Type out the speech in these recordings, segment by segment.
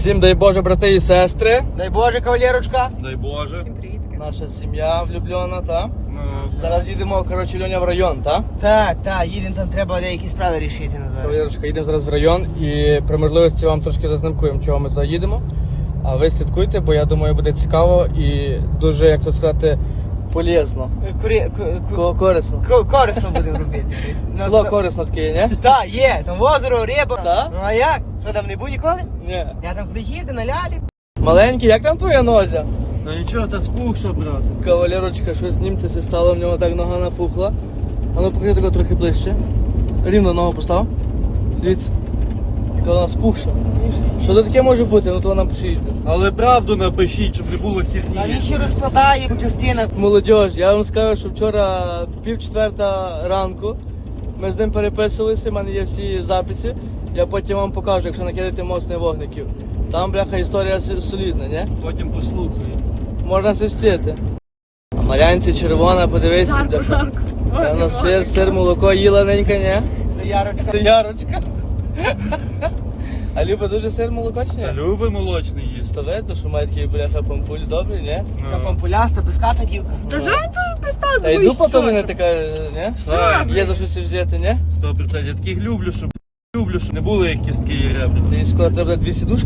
Всім дай Боже, брати і сестри. Дай Боже, кавалерочка. Дай Боже. Всім привіт. Наша сім'я влюблена, та? Ну, Зараз їдемо, коротше, Льоня в район, та? Так, їдемо, там треба деякі справи рішити назад. Кавалерочка, їдемо зараз в район і при можливості вам трошки зазнимкуємо, чого ми туди їдемо. А ви слідкуйте, бо я думаю, буде цікаво і дуже, як то сказати, полезно. Корисно. Корисно будемо робити. Село корисно таке, не? Так, є, там озеро, риба. Так? Ну а як? Що там не був ніколи? Ні. Я там кудись їздив на лялі. Маленький, як там твоя нозя? ну нічого, та спухша, брат. Кавалерочка, щось німця це стало, в нього так нога напухла. А ну покажи тако трохи ближче. Рівно ногу постав. Дивіться. Яка вона спухша. Що це таке може бути? Ну то нам пишіть. Але правду напишіть, щоб не було А херні. він ще розкладає по частинах. Молодіж, я вам скажу, що вчора 3:30 ранку ми з ним переписувалися, в мене є всі записи. Я потім вам покажу, якщо накидати моцних вогників. Там, бляха, історія солідна, не? Потім послухаю. Можна все встити. А Марянці червона, подивися, бляха. Певно, сир, молоко їла ненька, не? То Ярочка. Ти Ярочка. А Люба дуже сир, молоко чи Та ні? люби молочний їсти. То видно, що має такі, бляха, пампулі добрі, не? Така пампуляста, безката дівка. Та що ви тут пристали? Та й дупа то не така, не? Так, Є за щось взяти, не? 100%. Я таких люблю, щоб не було як кістки і ребра. І скоро треба 2 сідушки.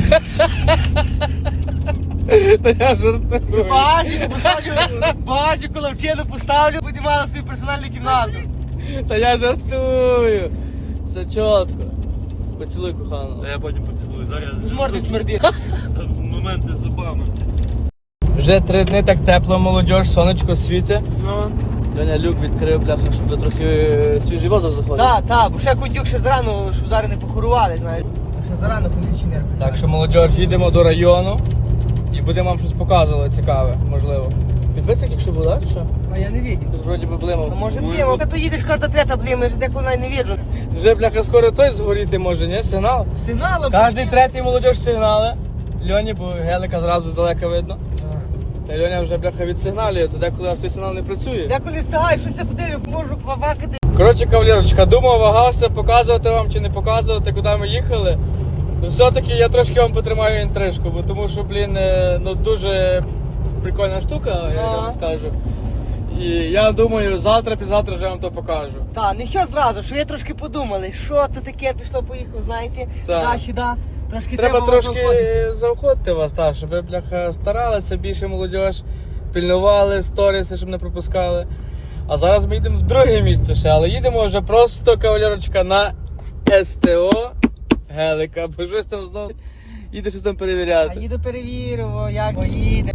Та я жартую. Бажіку поставлю, бажіку лавчину поставлю, буде мала свою персональну кімнату. Та я жартую. Все чітко. Поцілуй коханого. Та я потім поцілую. Зараз З морди смердить. моменти з зубами. Вже 3 дні так тепло, молодіж, сонечко світить. Ну. Доня люк відкрив, бляха, щоб трохи свіжий воздух заходив. Так, бо ще кондюк ще зарано, щоб зараз не похорували, знаєш. Ще зарано кондиціонер. Так що, молодіж, їдемо до району і будемо вам щось показувати цікаве, можливо. Підписник, якщо буде, що? А я не бачив. Тут вроді би А блимав. може блимо, а то їдеш кожна трета блимо, я ж деколи навіть не віджу. Вже, бляха, скоро той згоріти може, ні? Сигнал? Сигналом. Кожний третій молодіж сигнали. Льоні, бо гелика зразу здалека видно. Та Льоня вже, бляха, відсигналює, то деколи аж той сигнал не працює. Деколи встигаю, щось я подивлю, можу повакати. Коротше, кавалерочка, думав, вагався, показувати вам чи не показувати, куди ми їхали. Ну, все-таки я трошки вам потримаю інтрижку, бо тому що, блін, ну дуже прикольна штука, я вам скажу. І я думаю, завтра-післязавтра вже вам то покажу. Та, не що зразу, що ви трошки подумали, що то таке пішло-поїхало, знаєте, Так. сюди. Трошки Треба вас трошки заохотити. заохотити вас, так, щоб ви, бляха, старалися більше молодіж, пільнували сторіси, щоб не пропускали. А зараз ми їдемо в друге місце ще, але їдемо вже просто, кавалерочка, на СТО гелика, бо щось там знову їде щось там А перевіряти. їду перевірю, як поїде.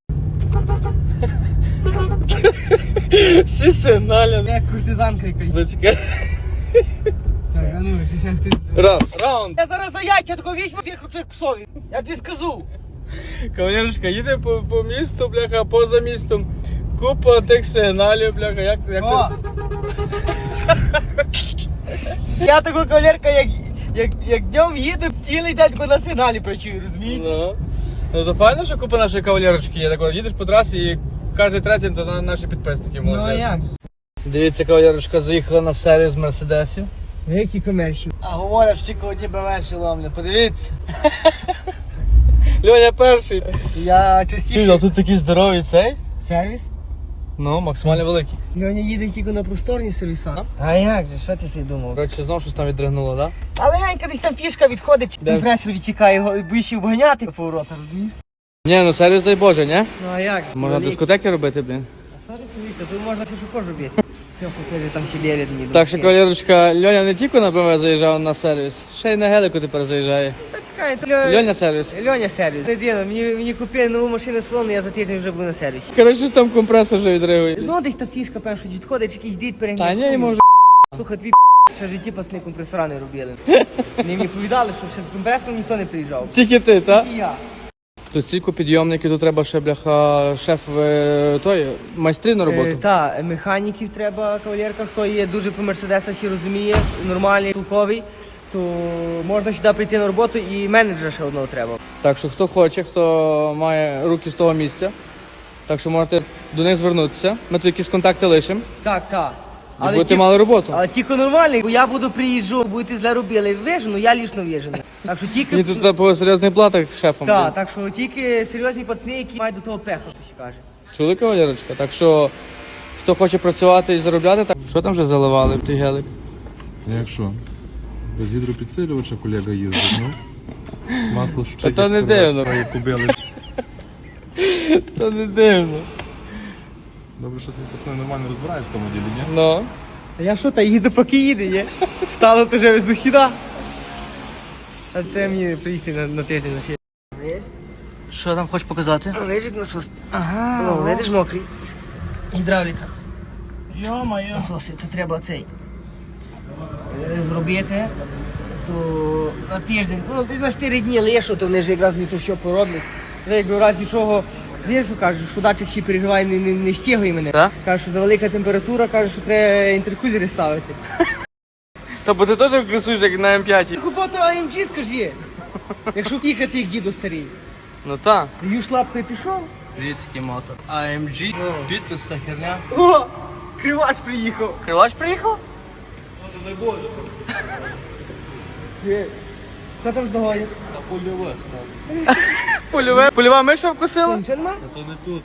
Всі сигналі. Як куртизанка якась. Дочекай. Так, а ну, ще хтось. Раз, раунд. Я зараз за яйця такого візьму, вихручу як псові. Я тобі скажу. Кавалерочка, їде по місту, бляха, поза містом. Купа тих сигналів, бляха, як О! ти... Я такого кавалерка, як днем їду, цілий день тако на сигналі працюю, розумієте? Ну то файно, що купа нашої кавалерочки є. Так, їдеш по трасі і кожен третій то наші підписники. Ну а молодець. як? Дивіться, кавалерочка заїхала на сервіс Мерседесів. Які комерші? А говорять, що тільки одні БМС ломлять. Подивіться. Льоня перший. Я А частіше. тут такий здоровий цей. Сервіс? Ну, максимально великий. Льоня їде тільки на просторні сервіса. Ну. А як же, що ти собі думав? Коротше, знову щось там відригнуло, так? Але Янька десь там фішка відходить, Де? компресор відчекає його, боїшся обганяти по воротах, розумієш? Ні, ну сервіс дай Боже, ні? Ну а як? Можна дискотеки робити, блін. А що ти повіться, тут можна все, що хочеш робити. Що покажи, там сиділи мені. Так що, кавалерочка, Льоня не тільки на БМВ заїжджав на сервіс, ще й на гелику тепер заїжджає. Та чекай, то Льоня сервіс. Льоня сервіс. Не дивно, мені купили нову машину салону, я за тиждень вже був на сервісі. Коротше, щось там компресор вже відригує. Знову десь та фішка, певно, що відходить, якийсь дід перегнів. Та ні, йому вже. Слухай, твій ще в житті пацани компресора не робили. Вони мені повідали, що ще з компресором ніхто не приїжджав. Тільки ти, так? І я. Тут стільки підйомники, тут треба ще, бляха, шеф той, майстри на роботу. Та, механіків треба, кавалерка, хто є дуже по Мерседесах і розуміє, нормальний, толковий, то можна сюди прийти на роботу і менеджера ще одного треба. Так що хто хоче, хто має руки з того місця, так що можете до них звернутися. Ми тут якісь контакти лишимо Так. і будете мали роботу. Але тільки нормальний, бо я буду приїжджу, будете зле робили, вижену, я лічно вижену. Так що тільки... Він тут по серйозних платах з шефом. Так, блін. так що тільки серйозні пацани, які мають до того пеха, то ще каже. Чули, кавалерочка? Так що, хто хоче працювати і заробляти, так що там вже заливали в той гелик? Якщо? Без гідропідсилювача колега їздить, ну. Масло Та то не дивно. Кубили. То не дивно. Добре, що ці пацани нормально розбирають в тому ділі, ні? Ну. Та я що, та їду поки їде, ні? Встало то вже з ухіда. А це мені приїхати на тиждень на фірму. Видиш? Що там хочеш показати? Видиш, як насос? Ага. О, видиш, мокрий. Гідравліка. Йо-моє. Насоси, це треба цей зробити, то на тиждень, ну десь на 4 дні лишу, то вони ж якраз мені то все пороблять. Я якби в разі чого, знаєш, що кажуть, що датчик ще переживає, не стягує мене. Так? Каже, що за велика температура, каже, що треба інтеркулери ставити. Та бо ти теж красуєш, як на М5. Купати AMG, скажи, якщо їхати як діду старий. Ну так. Юж лапкою пішов. Дивіться, який мотор. AMG, підпис, вся херня. О, кривач приїхав. Кривач приїхав? Що там з ногою? Польова миша вкусила? Нічого нема? То не тут.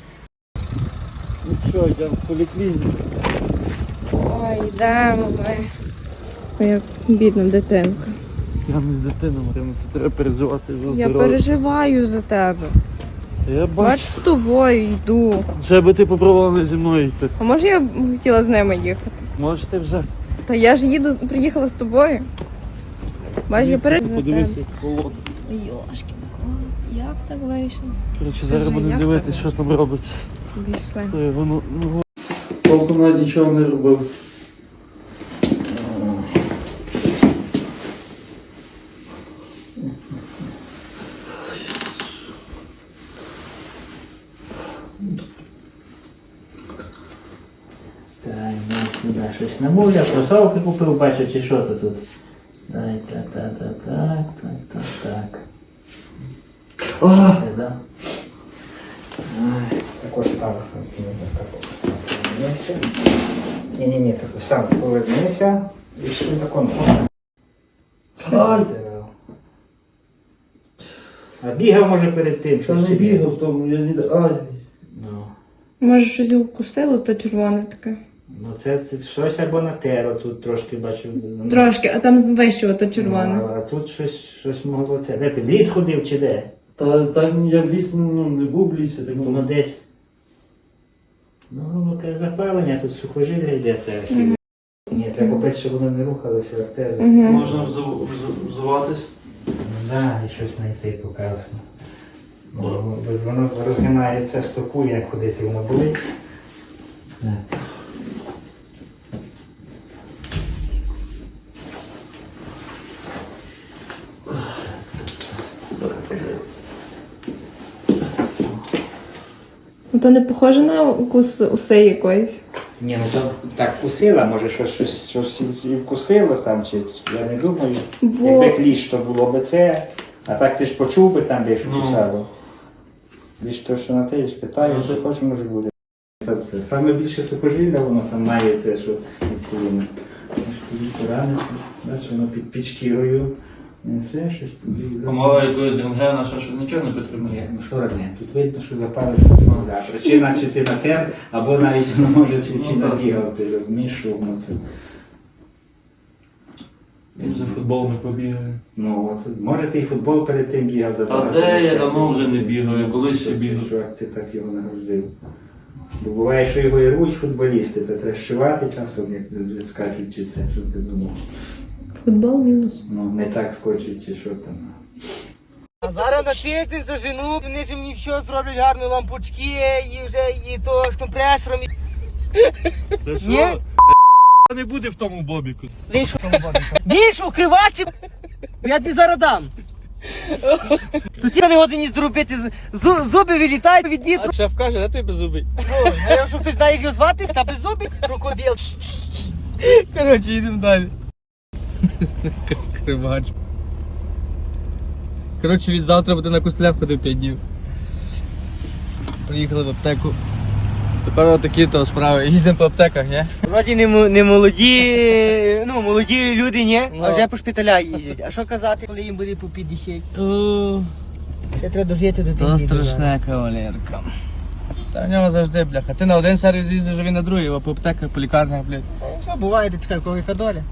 Ну що, йдемо в поліклініку. Ой, йдемо ми. Ой, як бідна дитинка. Я не з дитиною, Марина, тут треба переживати за Я переживаю за тебе. Я Бач, з тобою йду. Вже би ти попробувала не зі мною йти. А може я б хотіла з ними їхати? Може ти вже. Та я ж їду, приїхала з тобою. Бач, я переживаю за Подивися, тебе. як холодно. Йошки, як так вийшло? Коротше, зараз Скажи, будемо як дивитися, так що там робиться. Пішли. То є воно, ну, толком навіть нічого не робив. Дай, дай сюди щось намовляв, кросовки купив, бачу, чи що це тут. Дай, так. Це, да? Ай, такой став. Повернися. Ні, такой сам повернися. І що тако? А бігав може перед тим, що не бігав тому, я не... Ай. Ну. Може щось укусило, то червоне таке. Ну це щось або натерло, тут трошки бачу. Трошки, а там вище то червоне. Ну, а тут щось могло це. Де ти в ліс ходив чи де? Та я в лісі, не був в лісі, так Ну десь. Ну, таке запалення, тут сухожилля йде, це архів. Ні, треба купити, щоб воно не рухалося, артези. Можна взуватись. Да, і щось знайти показано. Воно розгинається, стопу, як кудись воно болить. Так. Ну то не похоже на укус уси якоїсь. Ні, ну то так кусила, може щось і вкусило там, чи я не думаю. Бо- Якби кліщ, то було б це, а так ти ж почув би там, де ж кусало. Ліж то, що на те ж питаю, що хоч може буде. Це саме більше сухожилля, воно там має це, що відповідно. Ось тоді пораниться, бачиш, воно під шкірою. І все, щось тоді. Помога якогось рентгена, що щось нічого не підтримує. Ні, ну що родне, тут видно, що запалиться. Причина, чи ти натер, або навіть може чи набігав, ти розумієш, що воно це. Він за футбол не побігає. Ну, от, може ти і футбол перед тим бігав до Та де я давно вже не бігаю, колись ще бігав. Що як ти так його нагрузив. Бо буває, що його і рвуть футболісти, то треба шивати часом, як скачуть, чи це, що ти думав. Футбол мінус. Ну, не так скочить, чи що там. А зараз на тиждень зажену, вони ж мені все зроблять гарно, лампочки, і вже і то з компресором. Та Ні? що? Не буде в тому бобіку. Вийшов тому бобіку. Вийшов, кривачі, я тобі зараз дам. Тут я не годині зробити, зуби вилітають від вітру. А шеф каже, де той беззубий? Ну, а якщо хтось знає, як його звати, та без зубів крокодил. Коротше, йдемо далі. Кривач. Коротше, від завтра буде на костелях ходив 5 днів. Приїхали в аптеку. Тепер такі то справи. Їздимо по аптеках, ні? Вроді не молоді, ну молоді люди, ні, Ну. а вже по шпиталях їздять. А що казати, коли їм буде по 50? Ще треба дожити до То тих страшна кавалерка. Та в нього завжди, бляха. Ти на один сервіс їздиш, а він на другий, а по аптеках, по лікарнях, блядь. Що буває, ти чекай, кого яка доля.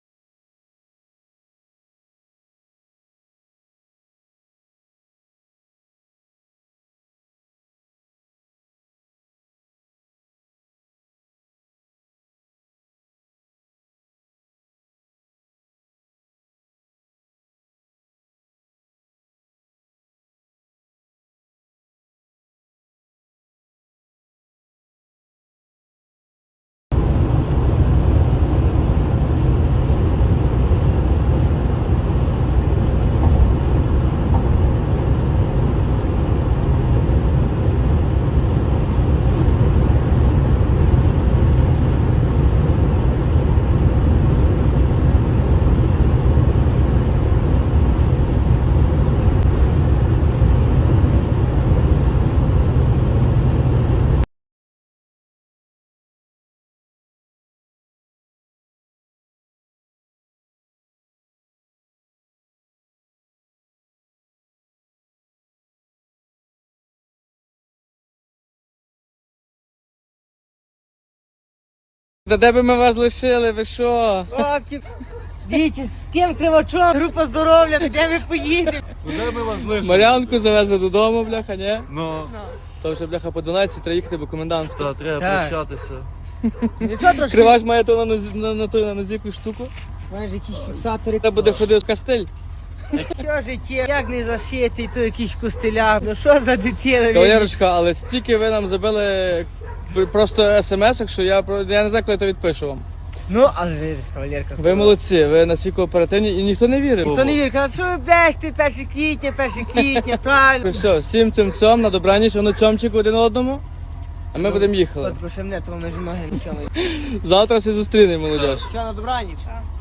Та де би ми вас лишили, ви що? Хлопці, дивіться, з тим кривачом, група здоров'я, де ми поїдемо? Куди ми вас лишимо? Мар'янку завезли додому, бляха, ні? Ну, То вже, бляха, по 12 треба їхати, бо комендантська. Та треба Так. прощатися. Нічого трошки, Кривач має то на нозі якусь штуку. маєш якісь фіксатори. Треба буде ходити в кастель. Що життя, як не зашитий, то якийсь костиляк, ну що за дитина? Кавалерочка, але стільки ви нам забили просто смс-ок, що я не знаю, коли то відпишу вам. Ну, але видиш, кавалерка. Ви молодці, ви настільки оперативні і ніхто не вірив. Хто не вірить, каже, що ви бреште, 1 квітня, правильно. Все, всім цьом, на добраніч, воно цьомчик один одному, а ми будемо їхали. От, ще мене, то межі ноги нічого. Завтра всі зустрінемо, молодіж. Що, на добраніч?